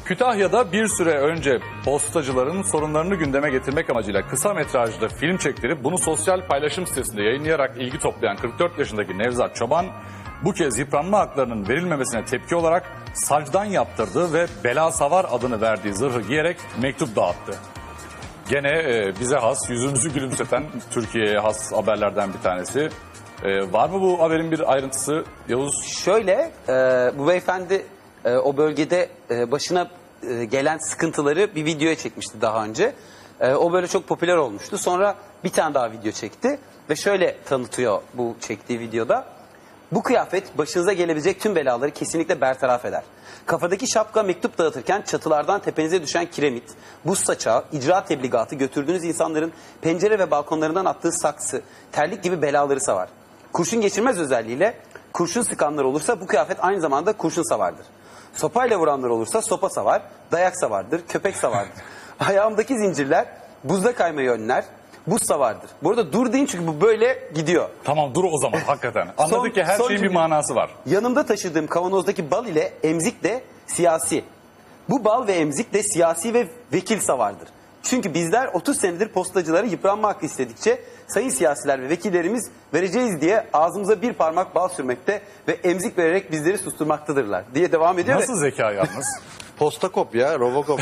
Kütahya'da bir süre önce postacıların sorunlarını gündeme getirmek amacıyla kısa metrajlı film çektirip bunu sosyal paylaşım sitesinde yayınlayarak ilgi toplayan 44 yaşındaki Nevzat Çoban bu kez yıpranma haklarının verilmemesine tepki olarak sacdan yaptırdığı ve bela savar adını verdiği zırhı giyerek mektup dağıttı. Gene bize has, yüzümüzü gülümseten Türkiye'ye has haberlerden bir tanesi. Var mı bu haberin bir ayrıntısı Yavuz? Şöyle, bu beyefendi o bölgede başına gelen sıkıntıları bir videoya çekmişti daha önce. O böyle çok popüler olmuştu. Sonra bir tane daha video çekti ve şöyle tanıtıyor bu çektiği videoda. Bu kıyafet başınıza gelebilecek tüm belaları kesinlikle bertaraf eder. Kafadaki şapka mektup dağıtırken çatılardan tepenize düşen kiremit, buz saçağı, icra tebligatı, götürdüğünüz insanların pencere ve balkonlarından attığı saksı, terlik gibi belaları savar. Kurşun geçirmez özelliğiyle kurşun sıkanlar olursa bu kıyafet aynı zamanda kurşun savardır. Sopayla vuranlar olursa sopa savar, dayak savardır, köpek savardır. Ayağımdaki zincirler buzda kaymayı önler, buz savardır. Bu arada dur deyin çünkü bu böyle gidiyor. Tamam dur o zaman hakikaten. Anladık ki her şeyin bir manası var. Yanımda taşıdığım kavanozdaki bal ile emzik de siyasi. Bu bal ve emzik de siyasi ve vekil savardır. Çünkü bizler 30 senedir postacılara yıpranma hakkı istedikçe sayın siyasiler ve vekillerimiz vereceğiz diye ağzımıza bir parmak bal sürmekte ve emzik vererek bizleri susturmaktadırlar diye devam ediyor. Nasıl zeka yalnız? Postakop ya, Robocop.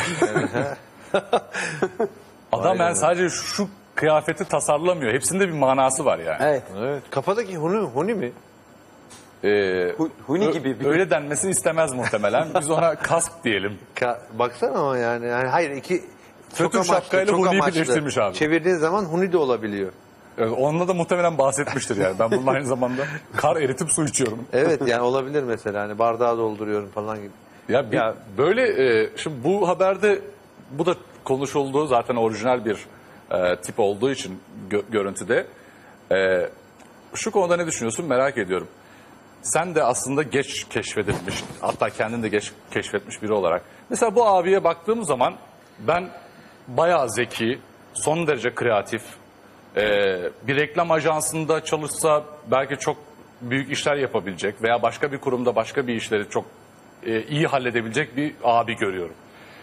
Adam yani sadece şu kıyafeti tasarlamıyor. Hepsinde bir manası var yani. Evet. Evet. Kafadaki huni mi? Huni gibi bir... Öyle denmesini istemez muhtemelen. Biz ona kask diyelim. Baksana ama yani hayır iki Fötr şapkayla huniyi birleştirmiş abi. Çevirdiğin zaman huni de olabiliyor. Onunla da muhtemelen bahsetmiştir yani. Ben bunun aynı zamanda kar eritip su içiyorum. Evet yani olabilir mesela hani bardağı dolduruyorum falan gibi. Ya böyle şimdi bu haberde bu da konuşulduğu zaten orijinal bir tip olduğu için görüntüde. Şu konuda ne düşünüyorsun merak ediyorum. Sen de aslında geç keşfedilmiş, hatta kendin de geç keşfetmiş biri olarak. Mesela bu abiye baktığım zaman ben bayağı zeki, son derece kreatif, bir reklam ajansında çalışsa belki çok büyük işler yapabilecek veya başka bir kurumda başka bir işleri çok iyi halledebilecek bir abi görüyorum.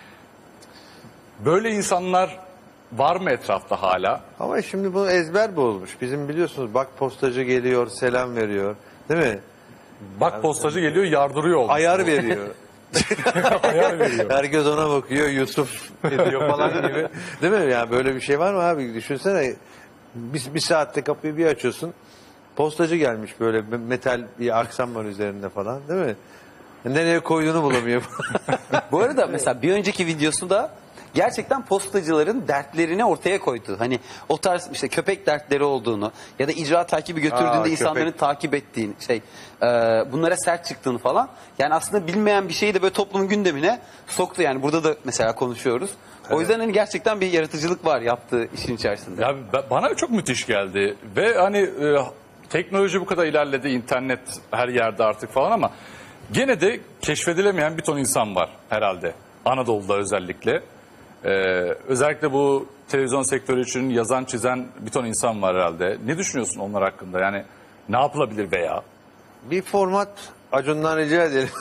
Böyle insanlar var mı etrafta hala? Ama şimdi bu ezber bozmuş. Bizim biliyorsunuz bak postacı geliyor, selam veriyor. Değil mi? Bak postacı geliyor yardırıyor olmuş. Ayar veriyor. Ayar veriyor. Herkes ona bakıyor, Yusuf ediyor falan gibi. Değil mi? Yani böyle bir şey var mı abi? Düşünsene bir saatte kapıyı bir açıyorsun. Postacı gelmiş böyle metal bir aksam var üzerinde falan değil mi? Nereye koyduğunu bulamıyor. Bu arada mesela bir önceki videosu da gerçekten postacıların dertlerini ortaya koydu. Hani o tarz işte köpek dertleri olduğunu ya da icra takibi götürdüğünde insanların köpek. takip ettiğini bunlara sert çıktığını falan. Yani aslında bilmeyen bir şeyi de böyle toplumun gündemine soktu. Yani burada da mesela konuşuyoruz. O yüzden hani gerçekten bir yaratıcılık var yaptığı işin içerisinde. Ya bana çok müthiş geldi ve hani teknoloji bu kadar ilerledi, internet her yerde artık falan ama gene de keşfedilemeyen bir ton insan var herhalde. Anadolu'da özellikle. Özellikle bu televizyon sektörü için yazan çizen bir ton insan var herhalde. Ne düşünüyorsun onlar hakkında? Yani ne yapılabilir veya? Bir format Acun'dan rica edelim.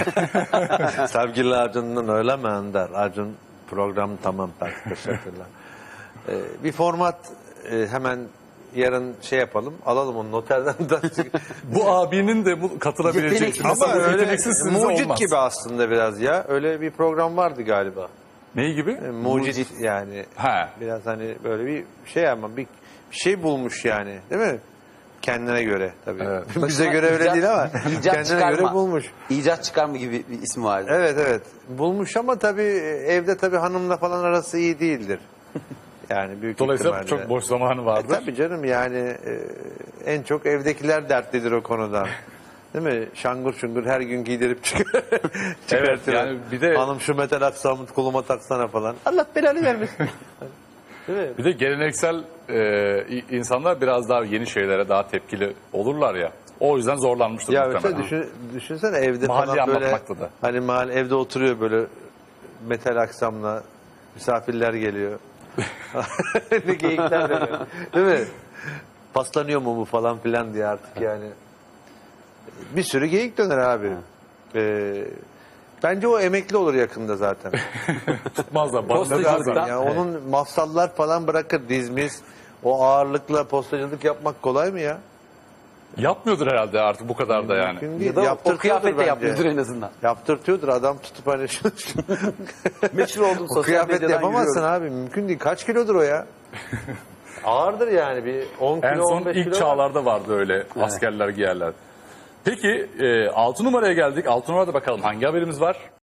Sevgili Acun'dan öyle mi Ender? Acun program tamam teşekkürler. Bir format hemen yarın şey yapalım. Alalım onu noterden da. Bu abinin de bu katılabilecek. Yetenek- Mesela Ama bu öyle yeteneksizsiniz mucit olmaz. gibi aslında biraz ya. Öyle bir program vardı galiba. Neyi gibi? Mucit yani. Ha. Biraz hani böyle bir şey ama bir şey bulmuş yani değil mi? Kendine göre tabii. Evet. Bize göre öyle değil ama kendine göre bulmuş. İcat çıkarma gibi bir ismi vardı. Evet evet bulmuş ama tabii evde tabii hanımla falan arası iyi değildir. Yani büyük Dolayısıyla ihtimalle. çok boş zamanı vardır. Tabii canım yani en çok evdekiler dertlidir o konuda. Değil mi? Şangur şungur her gün giydirip Evet, yani bir de hanım şu metal aksamı koluma taksana falan. Allah belanı vermesin. Değil mi? bir de geleneksel insanlar biraz daha yeni şeylere daha tepkili olurlar ya. O yüzden zorlanmıştır Ya muhtemelen. mesela düşünsene evde Mahalleyi falan böyle anlatmakta da. hani evde oturuyor böyle metal aksamla misafirler geliyor. Ne geyikler böyle. Değil mi? Paslanıyor mu bu falan filan diye artık yani. Bir sürü geyik döner abi. Bence o emekli olur yakında zaten. Tutmazlar. Tabii Postacılıktan. abi, ya onun mafsallar falan bırakır, dizmiz. O ağırlıkla postacılık yapmak kolay mı ya? Yapmıyordur herhalde artık bu kadar da yani. Mümkün değil. Ya da o Yaptırtıyordur kıyafet de bence. yapmıyordur en azından. Yaptırtıyordur adam tutup hani Meşhur oldum o sosyal kıyafet medyadan yapamazsın yürüyorum. abi. Mümkün değil. Kaç kilodur o ya? Ağırdır yani bir 10 kilo En son 15 ilk kilo. çağlarda vardı öyle askerler giyerler. Peki 6 numaraya geldik. 6 numarada bakalım hangi haberimiz var?